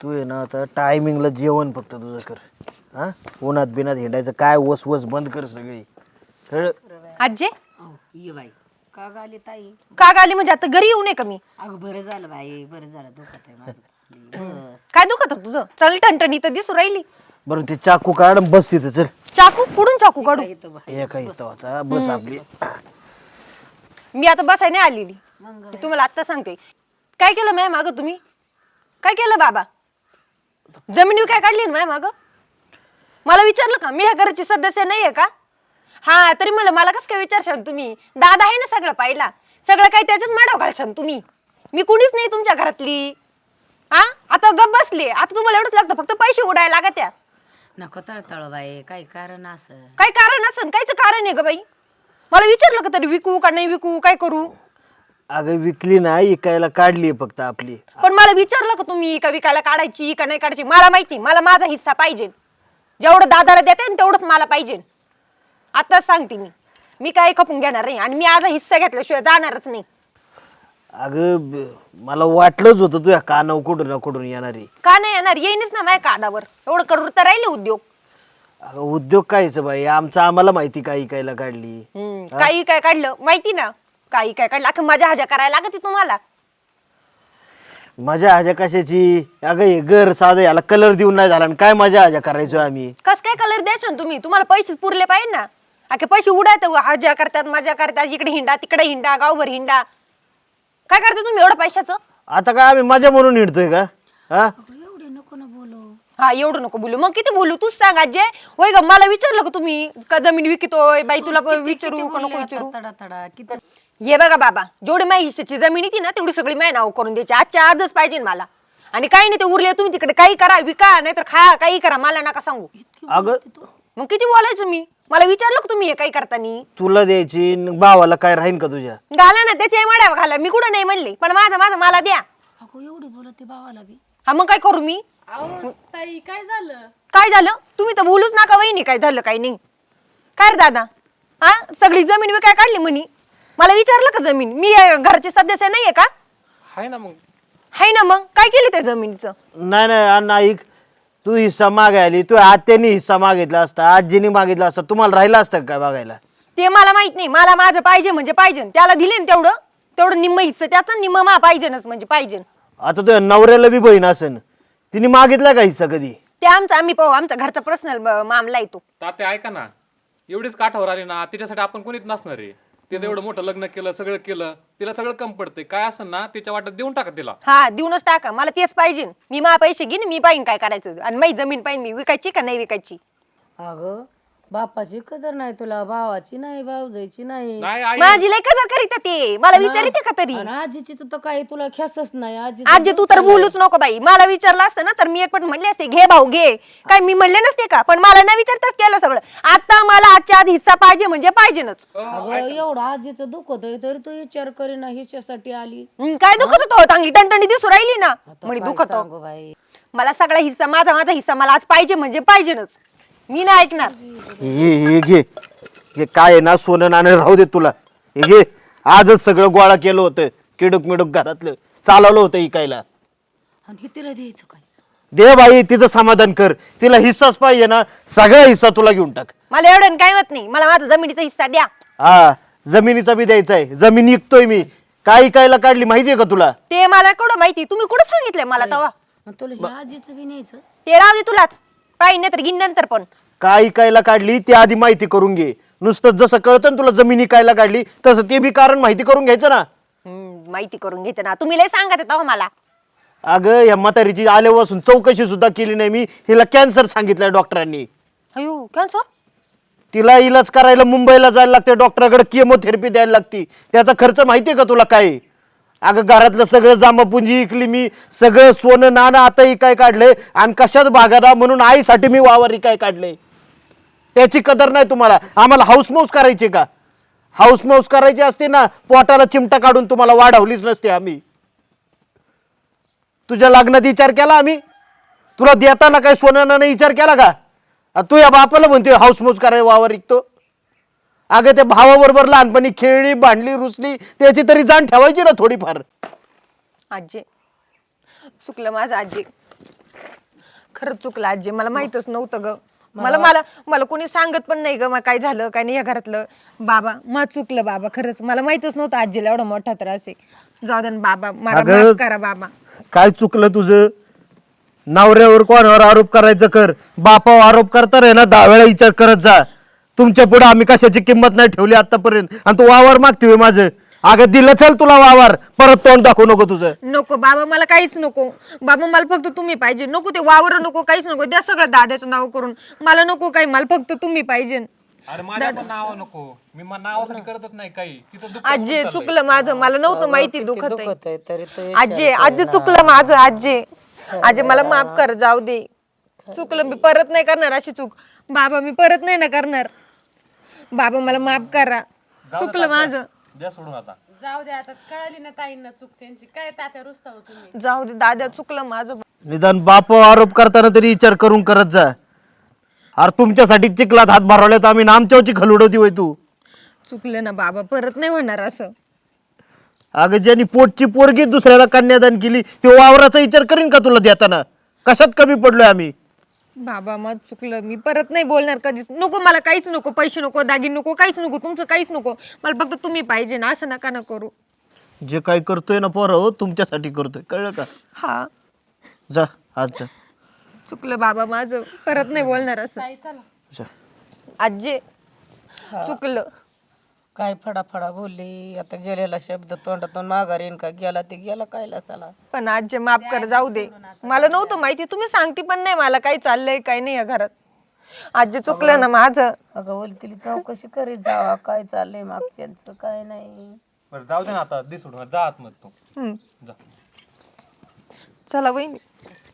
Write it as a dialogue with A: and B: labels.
A: तू आहे ना आता टायमिंगला जेवण फक्त तुझं कर. हा उन्हात बिनात हिंडायचं काय वस वस बंद कर सगळी. कळ
B: आजे
C: ये बाई का गाली ताई?
B: का गाली म्हणजे आता घरी येऊ नये का मी?
C: अगं बरं झालं बाई, बरं झालं. दुखत आहे माझं. बस.
B: काय दुखत होतं तुझं? चल टणटणी तर दिसू राहिली.
A: बरं ते चाकू काढ आणि बस तिथं चल.
B: चाकू कुठून चाकू काढू?
C: इथं बाई.
A: एका इथं होता बस आपली.
B: मी आता बसाय नाही आलेली.
C: मग
B: मी तुम्हाला आता सांगते. काय केलं मॅम मागं तुम्ही? काय केलं बाबा? जमिनी काय काढली ना मॅम मागं? मला विचारलं का? मी ह्या घराची सदस्य नाहीये का? हा तरी मला कसं काय विचारशाल तुम्ही? दादा आहे ना सगळं पाहिला. सगळं काय त्याच्याच माडाव घालशाल तुम्ही. मी कुणीच नाही तुमच्या घरातली. हा आता गप बसले. आता तुम्हाला एवढंच लागतं फक्त पैसे उडायला लागत त्या.
C: नको तळतळ बाई, काही कारण असं.
B: काय कारण असन? कायच कारण आहे ग बाई? मला विचारलं का तरी विकू का नाही विकू काय करू?
A: अगं विकली नाही इकायला काढली फक्त आपली.
B: पण मला विचारलं का तुम्ही का विकायला काढायची का नाही काढायची? मला माहिती, मला माझा हिस्सा पाहिजे. जेवढं दादाला देते ना तेवढंच मला पाहिजे. आताच सांगते मी काही खपून घेणार नाही आणि मी आज हिस्सा घेतल्याशिवाय जाणारच नाही.
A: अगं मला वाटलंच होतं तुझ्या कानावर कुठून ना कुठून येणारी.
B: का नाही येणार? येईनच ना माझ्या कानावर. एवढं करू तर राहिले उद्योग.
A: अगं उद्योग कायचं बाई आमचं आम्हाला माहिती काय इकायला काढली.
B: काही काय काढलं माहिती ना? काही काय काढलं अख्खी मजा हजा करायला लागते तुम्हाला.
A: मजा हजा कशाची? अगं हे घर साधं याला कलर देऊन नाही झाला आणि काय मजा हजा करायचो आम्ही.
B: कस काय कलर द्यायचं तुम्ही? तुम्हाला पैसेच पुरले पाहिजे ना. अखे पैसे उडायत हजा करतात मजा करतात इकडे हिंडा तिकडे हिंडा गावभर हिंडा. काय करता तुम्ही एवढं पैशाचं?
A: आता काय आम्ही मजा म्हणून हिंडतोय का? हा
C: एवढे नको ना बोलू.
B: हा एवढं नको बोलू. मग किती बोलू? तूच सांग आजे. होय ग मला विचारलं का तुम्ही का जमीन विकतोय बाई? तुला विचारू का नको विचारू?
C: तडा तडा किती.
B: हे बघा बाबा जेवढी माझ्या हिस्साची जमीन येते ना तेवढी सगळी माझ्या नाव करून द्यायची. आजच्या आजच पाहिजे मला. आणि काही नाही ते उरले तुम्ही तिकडे काही करा विका नाही तर खा काही करा मला नका सांगू.
A: अगं
B: मग किती बोलायचं मी? मला विचारलं का तुम्ही हे काही करतानी?
A: तुला द्यायची न भावाला काय राहीन का तुझ्या?
B: घाला ना त्याच्या माड्या घाला. मी कुठं नाही म्हणले पण माझं माझं मला द्या.
C: अगो एवढी बोलते भावाला बी.
B: हा मग काय करू मी?
D: ताई काय झालं?
B: काय झालं? तुम्ही तर बोलूच नका वहिनी काय झालं काही नाही. काय रे दादा? हा सगळी जमीन विकाय काढली म्हणी. मला विचारलं का जमीन? मी घरचे सदस्य नाहीये का?
D: हाय ना मग.
B: हाय ना मग काय केलं त्या जमिनीचं?
A: नाही नाही अण्णा ऐक. तू हिस्सा मागायली तू आत्यानी हिस्सा मागितला असता आजीनी मागितला असता तुम्हाला राहिला असतं काय बघायला?
B: ते मला माहित नाही. मला माझं पाहिजे म्हणजे पाहिजे. त्याला दिले ना तेवढं तेवढं निम्म हिस्सा त्याचं निम्म मा पाहिजेनच म्हणजे पाहिजे.
A: आता तुझ्या नवऱ्याला बी बहीण असन तिने मागितला का हिस्सा कधी?
B: ते आमचं आम्ही पाहू. आमचा घरचा पर्सनल मामला येतो.
D: तात्या ऐका ना, एवढीच काठावर आली ना तिच्यासाठी आपण कोणीच नसणार आहे. तिचं एवढं मोठं लग्न केलं सगळं केलं तिला सगळं कम पडतंय. काय असं ना तिच्या वाटत देऊन टाका तिला.
B: हा देऊनच टाका. मला तेच पाहिजे. मी मा पैसे घेईन मी पाहिन काय करायचं. आणि माझी जमीन पाहिन मी विकायची का नाही विकायची.
C: अगं बापाची कदर नाही तुला, भावाची नाही, भाऊजाईची नाही.
D: नाही आई
B: माझी लय कदर करीत ते. मला विचारिते का तरी?
C: आणि आजीची तर काही तुला खेसच नाही.
B: आजी तू तर बोलूच नको बाई. मला विचारलं असतं ना तर मी एक पण म्हणले असते घे भाऊ घे. काय मी म्हणले नसते का? पण मला नाही विचारताच केलं सगळं. आता मला आजच्या आज हिस्सा पाहिजे म्हणजे पाहिजेनच.
C: अगं एवढं आजीचं दुखत आहे तरी तू विचार करीना हिच्यासाठी आली.
B: काय दुखत होतं? चांगली टणटणी दिसू राहिली ना म्हणे
C: काय
B: दुखत.
C: सांगू बाई.
B: मला सगळा हिस्सा माझा हिस्सा मला आज पाहिजे म्हणजे पाहिजेनच. मी नाही ऐकणार.
A: हे घे हे काय आहे ना सोनं नाणं राहू दे तुला. हे घे आजच सगळं गोळा केलं होतं किडूक मिडूक घरातलं चालवलं होतं इकायला.
C: आणि हे तिला द्यायचं काय?
A: दे बाई तिचं समाधान कर. तिला हिस्साच पाहिजे ना सगळा हिस्सा तुला घेऊन टाक.
B: मला एवढं काय होत नाही. मला माझा जमिनीचा हिस्सा द्या.
A: हा जमिनीचा बी द्यायचा आहे. जमीन विकतोय मी. काय इकायला काढली माहितीये का तुला?
B: ते मला कुठं माहिती? तुम्ही कुठं सांगितलंय मला तेव्हा?
C: आणि तुला ह्या आजीचं बी न्यायचं?
B: ते राहू दे तुलाच. पाहिजे नाही तर घेईन नंतर पण.
A: काय इकायला काढली ते आधी माहिती करून घे. नुसतं जसं कळतं ना तुला जमीन इकायला काढली तसं ते बी कारण माहिती करून घ्यायचं ना.
B: माहिती करून घेते ना. तुम्ही लय सांगत तेव्हा मला.
A: अगं या म्हातारीची आल्यापासून चौकशी सुद्धा केली नाही मी. हिला कॅन्सर सांगितलंय डॉक्टरांनी.
B: अयो कॅन्सर?
A: तिला इलाज करायला मुंबईला जायला लागते. डॉक्टराकडे केमोथेरपी द्यायला लागती. त्याचा खर्च माहितीये का तुला काय? अगं घरातलं सगळं जांभपुंजी इकली मी. सगळं सोनं नाणं आता इकाय काढलंय आणि कशात भागादा म्हणून आईसाठी मी वावर इकाय काढलंय. त्याची कदर नाही तुम्हाला. आम्हाला हाऊसमौस करायची का? हाऊसमौस करायची असते ना पोटाला चिमटा काढून तुम्हाला वाढवलीच नसते आम्ही. तुझ्या लग्नात विचार केला आम्ही? तुला देताना काय सोनं नाणं विचार केला का? तू या बापाला म्हणतोय हाऊसमौस करायला वावर विकतो. अगं त्या भावाबरोबर लहानपणी खेळली भांडली रुसली त्याची तरी जाण ठेवायची ना थोडीफार.
B: आजी चुकलं माझं आजी. खरंच चुकलं आजी, मला माहितच नव्हतं ग. मला मला मला कोणी सांगत पण नाही ग, मग काय झालं काय नाही या घरातलं. बाबा मग चुकलं बाबा, खरंच मला माहितच नव्हतं आजीला एवढा मोठा त्रास आहे. जाऊ दे ना बाबा, मला
A: अगं,
B: माफ करा बाबा.
A: काय चुकलं तुझं? नवऱ्यावर कोणावर आरोप करायचं कर, बापावर आरोप करता रे ना 10 वेळा विचार करत जा. तुमच्या पुढे आम्ही कशाची किंमत नाही ठेवली आतापर्यंत, आणि तू वावर मागते माझं. अगं दिलं चल तुला वावर, परत तोंड दाखवू नको तुझं.
B: नको बाबा, मला काहीच नको बाबा, मला फक्त तुम्ही पाहिजे. नको ते वावर नको, काहीच नको, द्या सगळं दादाचं नाव करून. मला नको काही, मला फक्त तुम्ही पाहिजे.
D: अरे माझ्या पण नाव नको, मी नावासाठी करतच नाही काही. तिथं दुःख
B: आजी चुकलं माझं, मला नव्हतं माहिती दुखत आहे.
C: दुखत आहे तरी तो
B: आजी आजी चुकलं माझं आजी. आजी मला माफ कर, जाऊ दे. चुकलं, मी परत नाही करणार अशी चूक. बाबा मी परत नाही ना करणार. बाबा मला माफ करा, चुकलं माझं.
D: द्या सोडून आता.
E: जाऊ दे आता, कळाली ना ताईंना चूक त्यांची. काय तात्या रुसता तुम्ही.
B: जाऊ दे दादा, चुकलं माझं.
A: निदान बापावर आरोप करताना तरी विचार करून करत जा. अरे तुमच्यासाठी चिखलात हात भरवले तर आम्ही नामच्यावची खलुडवती होय तू.
B: चुकलं ना बाबा, परत नाही होणार असं.
A: अगं ज्यांनी पोटची पोरगी दुसऱ्याला कन्यादान केली ते वावराचा विचार करीन का तुला देताना? कशात कमी पडलोय आम्ही?
B: बाबा मग चुकलं, मी परत नाही बोलणार कधीच. नको मला काहीच नको, पैसे नको, दागिने नको, काहीच नको, तुमचं काहीच नको. मला फक्त तुम्ही पाहिजे ना, असं नका ना करू.
A: जे काय करतोय ना पोरं हो, तुमच्यासाठी करतोय, कळलं का?
B: हा
A: जा आज जा.
B: चुकलं बाबा माझं, परत नाही बोलणार असं.
A: जा.
B: आजी चुकलं.
C: काय फडाफडा बोलली, आता गेलेला शब्द तोंडातून माघार येईन का? गेला ते गेला, कायला साला.
B: पण आजी माफ कर, जाऊ दे. मला नव्हतं माहिती, तुम्ही सांगते पण नाही मला काय चाललंय काय नाही या घरात. आजी चुकलं ना माझं.
C: अगं बोल, तिला चौकशी करीत जावा काय चाललंय मागच्यांचं काय नाही.
D: बरं जाऊ दे ना आता, दे सोडून, जा आतमध्ये तू.
B: हम्म.
D: जा.
B: चला वहिनी.